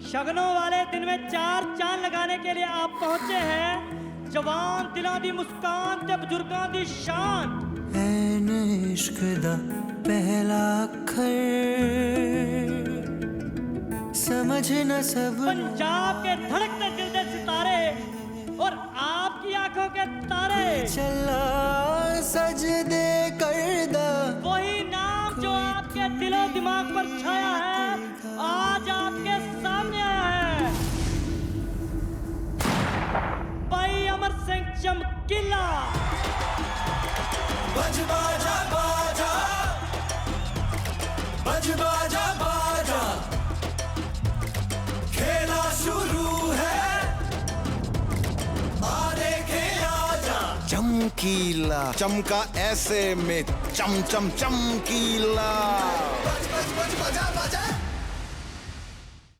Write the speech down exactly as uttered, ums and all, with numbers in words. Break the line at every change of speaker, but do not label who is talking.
शगनों वाले दिन में चार चांद लगाने के लिए आप पहुंचे हैं। जवान दिलों दी मुस्कान ते बुजुर्गों दी शान।
ऐन इश्क दा पहला अखर समझ न सब।
पंजाब के धड़कते दिल दे सितारे और आपकी आंखों के तारे।
चला सजदे करदा
वही नाम जो आपके दिलो दिमाग पर छाया है आज आपके सामने आया है। भाई अमर सिंह चमकीला।
बज बाजा बाजा बज बाजा बाजा खेला शुरू है आ देखे आजा।
चमकीला चमका ऐसे में चम चम चमकीला।